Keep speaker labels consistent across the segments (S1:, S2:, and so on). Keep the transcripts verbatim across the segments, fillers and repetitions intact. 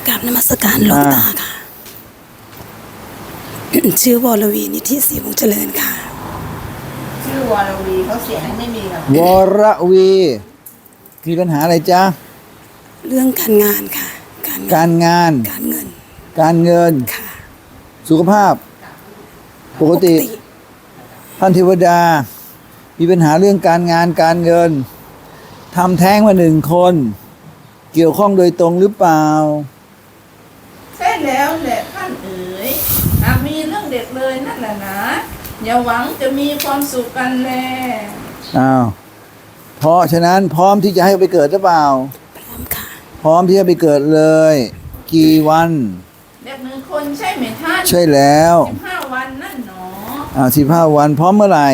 S1: กราบนมัสการหลวงตาค่ะ ชื่อวรวีนิธิศรีวงศ์เจริญค่ะ
S2: ชื่อวรวีเขาเสียงไม่มีหรอก
S3: วรวีมีปัญหาอะไรจ๊ะ
S1: เรื่องการงานค่ะ การ
S3: การงาน
S1: การเงิน
S3: การเงิน
S1: ค่ะ
S3: สุขภาพ ปกติ ท่านเทวดา มีปัญหาเรื่องการงานการเงินทำแท้งมาหนึ่งคน เกี่ยวข้องโดยตรงหรือเปล่า
S2: ใช่แล้วแหละท่านเอ๋ยหากมีเรื่องเด็กเลยนั่นแหละนะอย่าหวังจะมีความสุขกันแล
S3: อ้าว เพราะฉะนั้นพร้อมที่จะให้ไปเกิดหรือเปล่า
S1: พร้อมค่ะ
S3: พร้อมที่จะไปเกิดเลย กี่วัน
S2: เด็กหนึ่งคนใช่ไหมท่าน
S3: ใช่แล้ว
S2: สิบห้าวันนั่นหนอ
S3: อ่าสิบห้าวันพร้อมเมื่อไหร่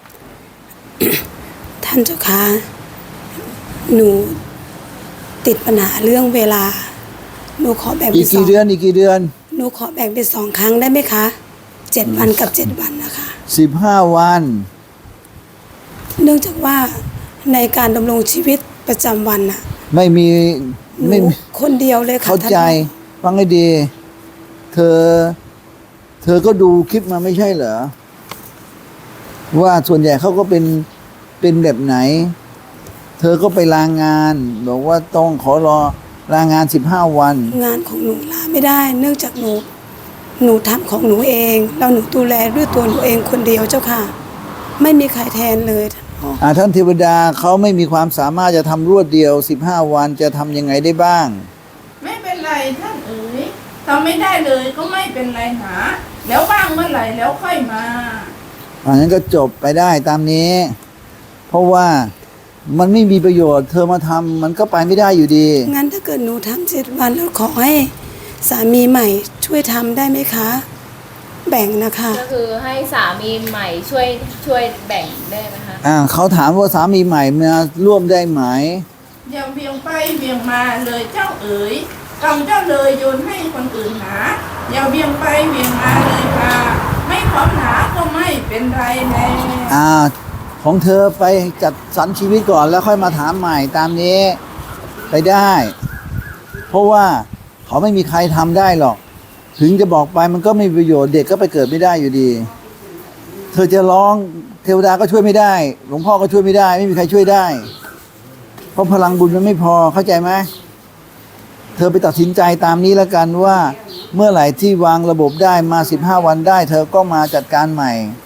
S1: ท่านเจ้าค่ะหนูติดปัญหาเรื่องเวลา หนูขอแบ่ง
S3: อี
S1: เป็
S3: ก
S1: นสอ
S3: กี่
S1: ง
S3: เดือนอีกกี่เดือน
S1: หนูขอแบ่งเป็นสองครั้งได้ไหมคะเจ็ดวันกับเจ็ดวันนะคะ
S3: สิบห้าวัน
S1: เนื่องจากว่าในการดำรงชีวิตประจำวันน่ะ
S3: ไม่มี
S1: ห
S3: ไม่
S1: นู
S3: มี
S1: คนเดียวเลยค่ะ
S3: เข้าใจ
S1: ท่น
S3: ฟังให้ดี เธอ เธอก็ดูคลิปมาไม่ใช่เหรอ ว่าส่วนใหญ่เขาก็เป็นเป็นแบบไหน เธอก็ไปลางาน บอกว่าต้องขอรอลางานสิบห้าวัน
S1: งานของหนูลาไม่ได้ เนื่องจากหนูหนูทำของหนูเองแล้วหนูดูแลด้วยตัวหนูเองคนเดียวเจ้าค่ะ ไม่มีใครแทนเลยท่านพ่อ
S3: อ่าท่านเทวดาเขาไม่มีความสามารถจะทำรวดเดียวสิบห้าวันจะทำยังไงได้บ้าง
S2: ไม่เป็นไรท่านเอ๋ยทำไม่ได้เลยก็ไม่เป็นไรหาแล้วว่างเมื่อไหร่แล้วค่อยมา
S3: อันนั้นก็จบไปได้ตามนี้ เพราะว่ามันไม่มีประโยชน์ เธอมาทำมันก็ไปไม่ได้อยู่ดี
S1: งั้นถ้าเกิดหนูทำเจ็ดวันแล้วขอให้สามีใหม่ช่วยทำได้ไหมคะ แบ่งนะคะ
S4: ก็คือให้สามีใหม่ช่วยช่วยแบ่งได้ไหมคะ
S3: อ่าเขาถามว่าสามีใหม่มาร่วมได้ไหม
S2: อย่าเบี่ยงไปเบี่ยงมาเลยเจ้าเอ๋ยกรรมเจ้าเลยโยนให้คนอื่นหาอย่าเบี่ยงไปเบี่ยงมาเลยค่ะไม่พร้อมหนาก็ไม่เป็นไรแน่
S3: อ่า ของเธอไปจัดสรรชีวิตก่อนแล้วค่อยมาถามใหม่ตามนี้ ไปได้ เพราะว่าเขาไม่มีใครทำได้หรอก ถึงจะบอกไปมันก็ไม่มีประโยชน์เด็กก็ไปเกิดไม่ได้อยู่ดี เธอจะร้องเทวดาก็ช่วยไม่ได้ หลวงพ่อก็ช่วยไม่ได้ ไม่มีใครช่วยได้ เพราะพลังบุญมันไม่พอเข้าใจไหมเธอไปตัดสินใจตามนี้แล้วกันว่า เมื่อไหร่ที่วางระบบได้มาสิบห้าวันได้ เธอก็มาจัดการใหม่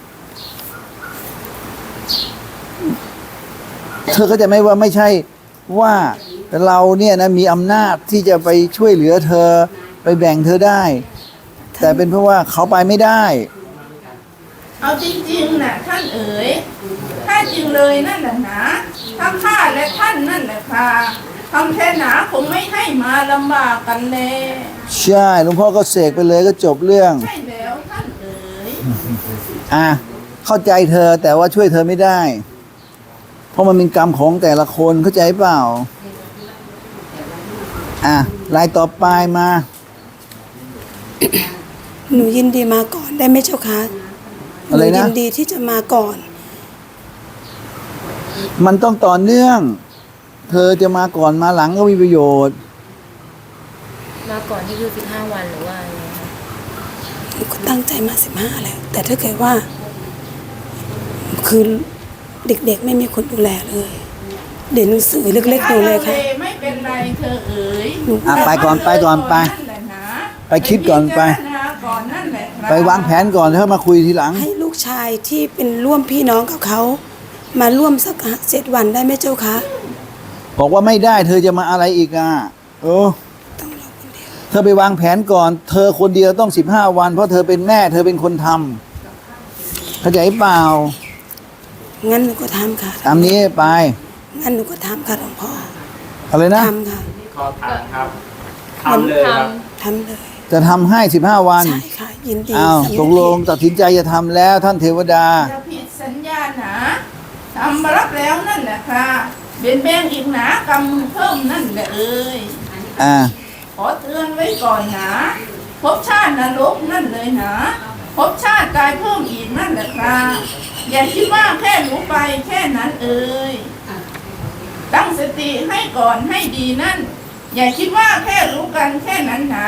S3: เธอก็จะไม่ว่าไม่ใช่ว่าเราเนี่ยนะมีอำนาจที่จะไปช่วยเหลือเธอไปแบ่งเธอได้ แต่เป็นเพราะว่าเขาไปไม่ได้
S2: เอาจริงๆนะท่านเอ๋ยถ้าจริงเลยนั่นแหละนะทั้งข้าและท่านนั่นแหละค่ะทำแท้หนาคงไม่ให้มาลำบากกันเลย
S3: ใช่หลวงพ่อก็เสกไปเลยก็จบเรื่อง
S2: ใช่แล้วท่านเอ๋ย
S3: อ่ะเข้าใจเธอแต่ว่าช่วยเธอไม่ได้ เพราะมันเป็นกรรมของแต่ละคนเข้าใจเปล่า อ่ะรายต่อไปมา
S1: หนูยินดีมาก่อนได้ไหมเจ้าคะห
S3: อะไร
S1: นู
S3: นะ
S1: ยินดีที่จะมาก่อน
S3: มันต้องต่อเนื่อง เธอจะมาก่อนมาหลังก็มีประโยชน์
S4: มาก่อนที่คือสิบห้าวันหรือว่าอะไรคะ
S1: หนูก็ตั้งใจมาสิบห้าแล้ว แต่ถ้าเกิดว่า คือเด็กๆไม่มีคนดูแลเลย เดี๋ยวหนังสือเล็กๆหนูเลยค่ะ
S2: ไม่เป็นไรเธอเอ๋ย
S1: หนู
S3: อ่ะไปก่อนไปก่อนไป
S2: นั่นแหละนะ
S3: ไปคิดก่อนไป
S2: พิจารณาก่อนนั่นแหละครับ
S3: ไปวางแผนก่อนแล้วมาคุยทีหลัง
S1: ให้ลูกชายที่เป็นร่วมพี่น้องกับเขา มาร่วมสักเจ็ดวันได้ไหมเจ้าคะ
S3: บอกว่าไม่ได้ เธอจะมาอะไรอีกอ่ะเออ
S1: ต้องรอคนเดียว
S3: เธอไปวางแผนก่อน เธอคนเดียวต้องสิบห้าวัน เพราะเธอเป็นแม่ เธอเป็นคนทำเข้าใจเปล่า
S1: งั้นหนูก็ทำค่ะ
S3: ตามนี้ไป
S1: งั้นหนูก็ทำค่ะหลวงพ่อ
S3: อะไรนะ
S1: ทำค่ะ
S5: ขอถามครับทำเลยครับ
S1: ทำเลย
S3: จะทำให้สิบห้าวัน
S1: ใช่ค่ะ ยินดี
S3: อ้าว
S1: สำเร็จ
S3: ตกลงตัดสินใจจะทำแล้วท่านเทวดา
S2: อย่าผิดสัญญาหนาทำมารับแล้วนั่นแหละค่ะเบียนแบงอีกหนากำมือเพิ่มนั่นแหละเอ้ย
S3: อ่า
S2: ขอเตือนไว้ก่อนนะภพชาตินรกนั่นเลยนะภพชาติตายเพิ่มอีกนั่นแหละครับอย่าคิดว่าแค่รู้ไปแค่นั้นเอ่ยตั้งสติให้ก่อนให้ดีนั่น อย่าคิดว่าแค่รู้กันแค่นั้นนะ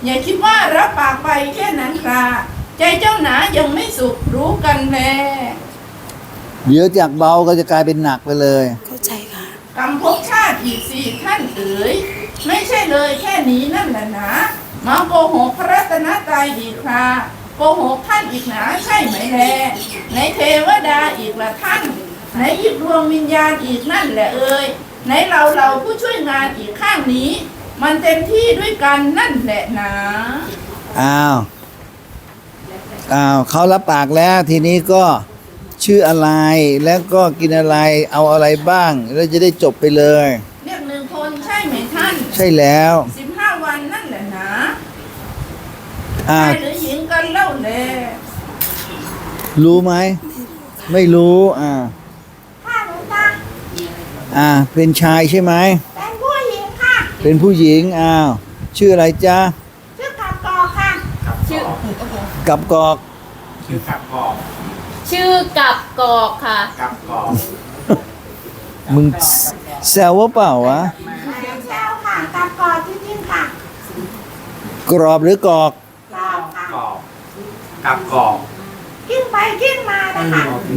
S2: อย่าคิดว่ารับปากไปแค่นั้นค่ะใจเจ้าหนายังไม่สุขรู้กันแล
S3: เดี๋ยวจากเบาก็จะกลายเป็นหนักไปเลย
S1: เข้าใจค่ะ
S2: กรรมภพชาติอีกสี่ท่านเอ๋ยไม่ใช่เลยแค่นี้นั่นแหละนะมาโกหกพระรัตนตรัยอีกคราโกหกท่านอีกหนาใช่ไหมแลในเทวดาอีกละท่านในยิบดวงวิญญาณอีกนั่นแหละเอ๋ยในเราเราผู้ช่วยงานอีกข้างนี้ มันเต็มที่ด้วยกันนั่นแหละนะ
S3: อ้าว อ้าวเขารับปากแล้วทีนี้ก็ชื่ออะไรแล้วก็กินอะไรเอาอะไรบ้างแล้วจะได้จบไปเลย
S2: เรียกหนึ่งคนใช่ไหมท่าน
S3: ใช่แล้ว
S2: สิบห้าวันนั่นแหละนะ
S3: อ่า
S2: ชายหรือหญิงกันเล่าแล
S3: รู้ไหม ไม่รู้อ่า
S2: ค่ะหลวงตา
S3: อ่า เป็นชายใช่ไหม
S2: เป็นผู้หญิงค่ะ
S3: เป็นผู้หญิงอ้าวชื่ออะไรจ๊ะ
S2: ชื่อกับกอค่ะ
S5: กับ
S4: ชื่อ
S5: กอก
S4: โอ้โห
S3: กับกอก
S5: ชื่อกับกอก
S4: ชื่อกับกอกค่ะ
S5: กับกอก
S3: มึงแซวว่าเปล่าวะ
S2: ไม่ได้แซวค่ะกับกอจริงๆค่ะ
S3: กรอบหรือกอก
S2: รอบค่ะ
S5: กอกกับกอก
S2: กิ้งไปกิ้งมานะคะ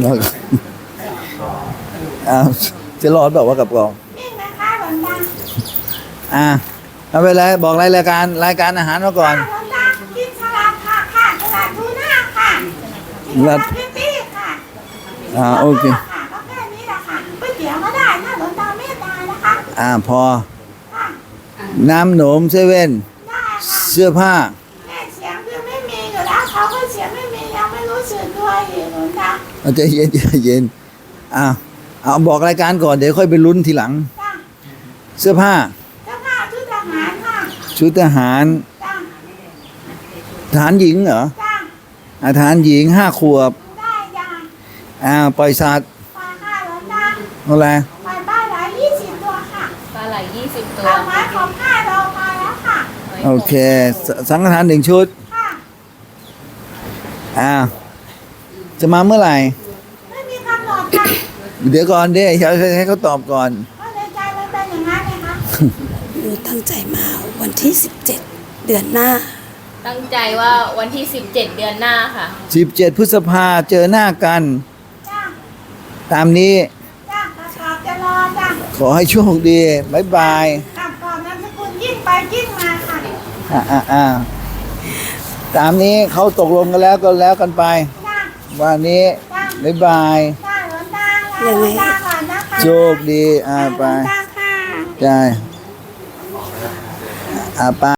S3: อ้าวจะรอดแบบว่าวะกับกอก
S2: กิ้งนะคะหลวงตา
S3: อ่าเอาไปเลยบอกรายการรายการอาหารมาก่อน
S2: หลวงตากินสลัดค่ะค่ะสลัดทูน่าค่ะกินสลัดพิตตี้ค่ะ
S3: อ่าโอเค
S2: ค่ะก็แค่นี้แหละค่ะก๋วยเตี๋ยวก็ได้ถ้าหลวงตาเมตตานะคะ
S3: อ่าพอ
S2: ค่ะ
S3: น้ำหนมเซเว่น
S2: ได้ค่ะ
S3: เสื้อผ้า
S2: แม่เสียงคือไม่มีอยู่แล้วเขาก็เสียงไม่มียังไม่รู้สึกตัวอีกหลวงตา
S3: เอาใจเย็นใจเย็นอ่าเอาบอกรายการก่อนเดี๋ยวค่อยไปลุ้นทีหลัง
S2: จ้า
S3: เสื้อผ้า
S2: เจ้าค่ะชุดทหารค่ะ
S3: ชุดทหาร
S2: จ้า
S3: ทหารหญิงเหรอ
S2: จ้า
S3: อาทหารหญิงห้าขวบ
S2: ได้จ้า
S3: อ่าปล่อยสัตว์
S2: ปลาค่ะหลวงตา
S3: อะไร
S2: ปลาปลาหลายยี่สิบตัวค่ะ
S4: ปลาไหลยี่สิบตัว
S2: เอาไม้ของข้าเรามาแล้วค่ะ
S3: โอเคสสังฆทานหนึ่งชุด
S2: ค่ะ
S3: อ่าจะมาเมื่อไหร่
S2: ไม่มีกำหนดค่ะ
S3: เดี๋ยวก่อนเดี๋ยวให้ให้เขาตอบก่อน
S2: เพราะในใจมันเป็นอย่างนั้นเลยค่ะ
S1: หนูตั้งใจมาวันที่สิบเจ็ดเดือนหน้า
S4: ตั้งใจว่าวันที่สิบเจ็ดเดือนหน้าค่ะ
S3: สิบเจ็ดพฤษภาเจอหน้ากัน
S2: จ้า
S3: ตามนี้
S2: จ้ากระสอบจะรอจ้า
S3: ขอให้โชคดีบายบาย
S2: กลับก่อนนามสกุลยิ่งไปยิ่งมาค่ะ
S3: อ่าอ่าอ่าตามนี้เขาตกลงกันแล้วก็แล้วกันไป
S2: จ้า
S3: วันนี้
S2: จ้า
S3: บายบาย
S2: จ้าหลวงตาลาหลวงตาก่อนนะคะ
S3: โชคดีอ่าไป
S2: หลวงตาค่ะ
S3: ใช่อ่าไป